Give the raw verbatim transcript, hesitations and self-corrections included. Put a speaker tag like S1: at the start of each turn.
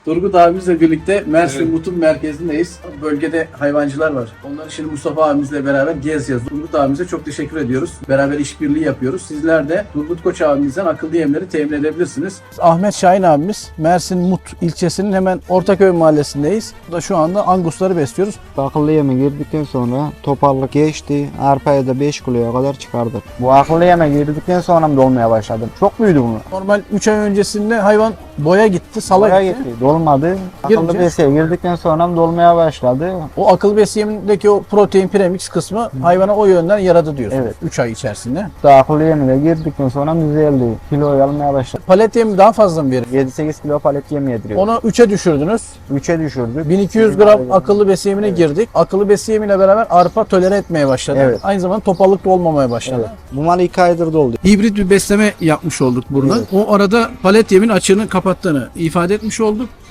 S1: Turgut abimizle birlikte Mersin
S2: Evet.
S1: Mut'un merkezindeyiz. Bölgede hayvancılar var. Onları şimdi Mustafa abimizle beraber gezeceğiz. Turgut abimize çok teşekkür ediyoruz. Beraber işbirliği yapıyoruz. Sizler de Turgut Koç abimizden akıllı yemleri temin edebilirsiniz. Ahmet Şahin abimiz Mersin Mut ilçesinin hemen Ortaköy mahallesindeyiz. Burada şu anda angusları besliyoruz.
S3: Akıllı yeme girdikten sonra toparlık geçti. Arpaya da beş kiloya kadar çıkardık.
S4: Bu akıllı yeme girdikten sonra mı dolmaya başladı? Çok büyüdü bunu.
S1: Normal üç ay öncesinde hayvan boya gitti, sala
S4: Oraya
S1: gitti.
S4: gitti. Dolmadı. Akıllı
S1: Girince-
S4: besiye girdikten sonra mı dolmaya başladı?
S1: O akıllı besi yemindeki o protein premix kısmı hayvana o yönden yaradı diyorsun.
S4: Evet.
S1: üç ay içerisinde.
S4: Daha akıllı yemine girdikten sonra düzeldi. Kilo almaya başladı.
S1: Palet yemi daha fazla mı verir?
S4: yedi sekiz kilo palet yem yediriyor.
S1: Onu üçe düşürdünüz.
S4: üçe düşürdük.
S1: bin iki yüz gram akıllı besi yemine girdik. Akıllı besi yemiyle beraber arpa tolere etmeye başladı.
S4: Evet.
S1: Aynı zamanda topallık da olmamaya başladı.
S4: Evet. Bu mal iki aydır doldu.
S1: Hibrit bir besleme yapmış olduk burada. O arada palet yemin açığını kapattığını ifade etmiş olduk.